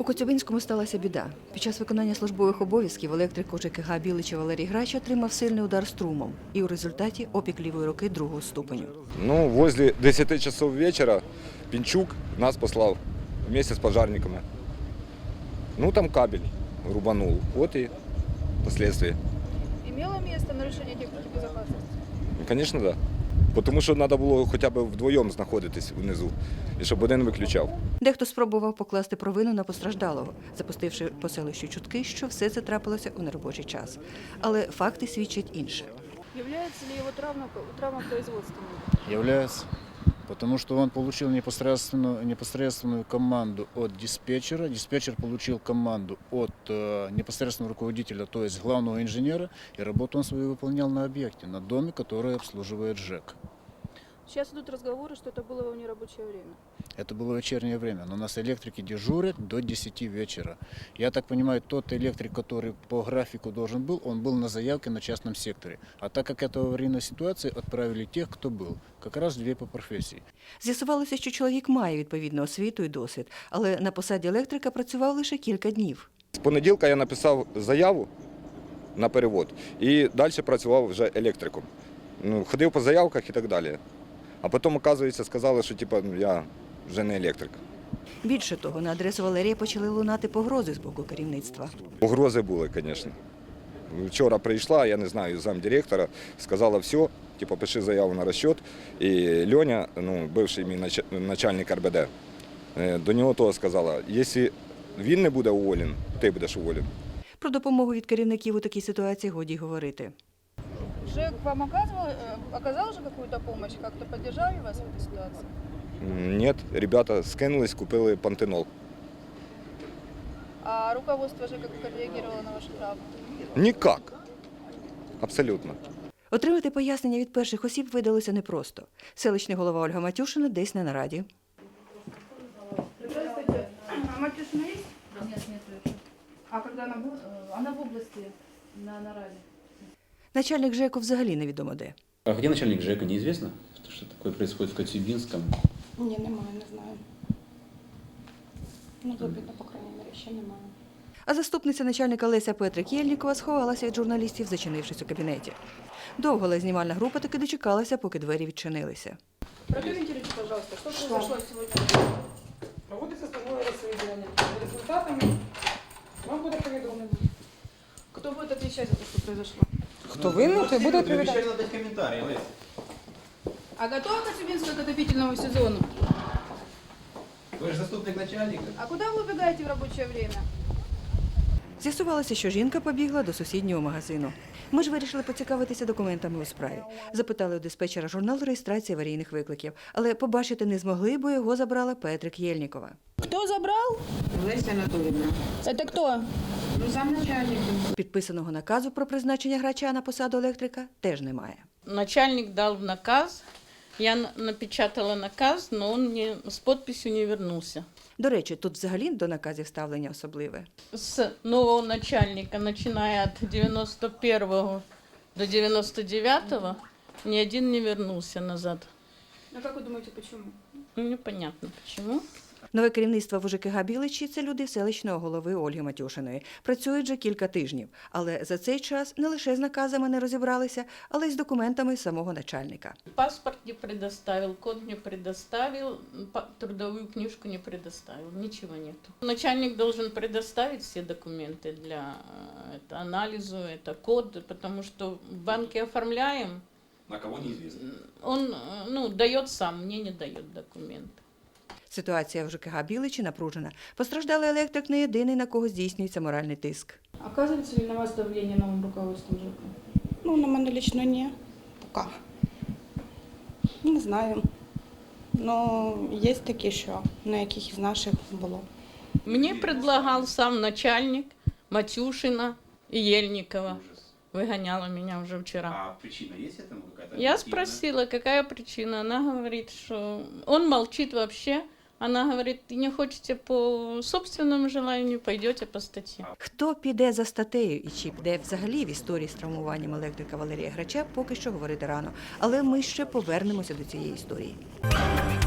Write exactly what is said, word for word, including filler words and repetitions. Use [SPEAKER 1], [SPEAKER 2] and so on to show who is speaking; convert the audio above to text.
[SPEAKER 1] У Коцюбинському сталася біда. Під час виконання службових обов'язків електрик ЖКГ Білича Валерій Грач отримав сильний удар струмом і у результаті опік лівої руки другого ступеню.
[SPEAKER 2] Ну, возле десяти часов вечора Пінчук нас послав вместе з пожарниками. Ну, там кабель рубанул. Вот и последствия.
[SPEAKER 3] Имело место нарушение техники безопасности?
[SPEAKER 2] Звісно, так. Да. Тому що треба було хоча б вдвоєм знаходитись внизу, і щоб один виключав.
[SPEAKER 1] Дехто спробував покласти провину на постраждалого, запустивши по селищу чутки, що все це трапилося у неробочий час. Але факти свідчать інше.
[SPEAKER 3] Является ли его травма, травма производственной?
[SPEAKER 4] Является. Потому что он получил непосредственную, непосредственную команду от диспетчера. Диспетчер получил команду от э, непосредственного руководителя, то есть главного инженера, и работу он свою выполнял на объекте, на доме, который обслуживает ЖЭК.
[SPEAKER 3] Сейчас идут разговоры, что это было во нерабочее время.
[SPEAKER 4] Это было вечернее время, но у нас электрики дежурят до десяти вечера. Я так понимаю, тот электрик, который по графику должен был, он был на заявке на частном секторе. А так как это аварийная ситуация, отправили тех, кто был. Как раз две по профессии.
[SPEAKER 1] З'ясувалося, що чоловік має відповідну освіту і досвід, але на посаді електрика працював лише кілька днів.
[SPEAKER 2] З понеділка я написав заяву на перевод і далі працював вже електриком. Ну, ходив по заявках і так далі. А потім, оказується, сказали, що типу, я вже не електрик.
[SPEAKER 1] Більше того, на адресу Валерія почали лунати погрози з боку керівництва.
[SPEAKER 2] Погрози були, звісно. Вчора прийшла, я не знаю, замдиректора, сказала все, типу, пиши заяву на розчет. І Льоня, ну, бивший мій начальник ар бе де, до нього того сказала, якщо він не буде уволен, ти будеш уволен.
[SPEAKER 1] Про допомогу від керівників у такій ситуації годі говорити.
[SPEAKER 3] ЖЭК вам оказывал, э, оказал же какую-то помощь, как-то поддержали вас в этой ситуации?
[SPEAKER 2] Ні, ребята скинулись, купили пантенол.
[SPEAKER 3] А руководство ЖЭКа как реагировало на вашу травму?
[SPEAKER 2] Ніяк. Абсолютно.
[SPEAKER 1] Отримати пояснення від перших осіб видалося непросто. Селищний голова Ольга Матюшина десь не на раді.
[SPEAKER 3] Здравствуйте. А Матюшина есть?
[SPEAKER 5] Нет, нет,
[SPEAKER 3] А когда она будет?
[SPEAKER 5] она в области на нараде.
[SPEAKER 1] Начальник ЖЕКу взагалі невідомо де.
[SPEAKER 6] А где начальник ЖЭКа, неизвестно? Что, что такое происходит в Коцюбинском?
[SPEAKER 7] Ні, немає, не знаю. Ну, запитно, по крайній мірі, ще немає.
[SPEAKER 1] А заступниця начальника Леся Петрик Єльнікова сховалася від журналістів, зачинившись у кабінеті. Довго, але знімальна група таки дочекалася, поки двері відчинилися.
[SPEAKER 3] Прокомментируйте, пожалуйста, что произошло сегодня?
[SPEAKER 8] Проводиться службове розслідування. За результатами вам буде повідомлено.
[SPEAKER 3] Кто будет отвечать за то, что произошло?
[SPEAKER 8] Хто винен, той буде відповідати.
[SPEAKER 6] дать комментарий, Лесь.
[SPEAKER 3] А готова Коцюбинская к отопительному сезону?
[SPEAKER 6] Вы же заступник начальника.
[SPEAKER 3] А куда вы убегаете в рабочее время?
[SPEAKER 1] З'ясувалося, що жінка побігла до сусіднього магазину. Ми ж вирішили поцікавитися документами у справі. Запитали у диспетчера журнал реєстрації аварійних викликів, але побачити не змогли, бо його забрала Петрик Єльнікова.
[SPEAKER 3] Кто забрал?
[SPEAKER 8] Леся Анатоліївна.
[SPEAKER 3] Это кто?
[SPEAKER 8] Ну, замначальник.
[SPEAKER 1] Підписаного наказу про призначення Грача на посаду електрика теж немає.
[SPEAKER 9] Начальник дал наказ, я н- напечатала наказ, но он не, с подписью не вернулся.
[SPEAKER 1] До речі, тут взагалі до наказів ставлення особливе.
[SPEAKER 9] С нового начальника, начиная от девяносто первого до девяносто девятого, ни один не вернулся назад.
[SPEAKER 3] Ну как вы думаете, почему?
[SPEAKER 9] Ну, непонятно почему.
[SPEAKER 1] Нове керівництво в ЖКГ Біличі – це люди селищного голови Ольги Матюшиної. Працюють вже кілька тижнів. Але за цей час не лише з наказами не розібралися, але й з документами самого начальника.
[SPEAKER 9] Паспорт не предоставил, код не предоставил, па- трудовую книжку не предоставил, ничего нету. Начальник должен предоставить все документы для э, это, анализу, это код, потому что в банке оформляем,
[SPEAKER 6] На кого неизвестно.
[SPEAKER 9] он э, ну, дает сам, мне не дает документы.
[SPEAKER 1] Ситуація в ЖКГ Біличі напружена. Постраждалий електрик не єдиний, на кого здійснюється моральний тиск.
[SPEAKER 3] Оказывается ли на вас давление новым руководством ЖЭКа?
[SPEAKER 7] Ну, на мене лично ні. Пока. Не знаю. Ну, є такі, що на яких із наших було.
[SPEAKER 9] Мне предлагал сам начальник Матюшина и Ельникова. Выгоняла меня уже вчера.
[SPEAKER 6] А причина есть этому какая-то?
[SPEAKER 9] Я
[SPEAKER 6] объективная?
[SPEAKER 9] спросила, какая причина. Она говорит, что он молчит вообще. Она говорит, не хочете по собственному желанию, пойдете по статье.
[SPEAKER 1] Хто піде за статтею і чи піде взагалі в історії з травмуванням електрика Валерія Грача, поки що говорити рано. Але ми ще повернемося до цієї історії.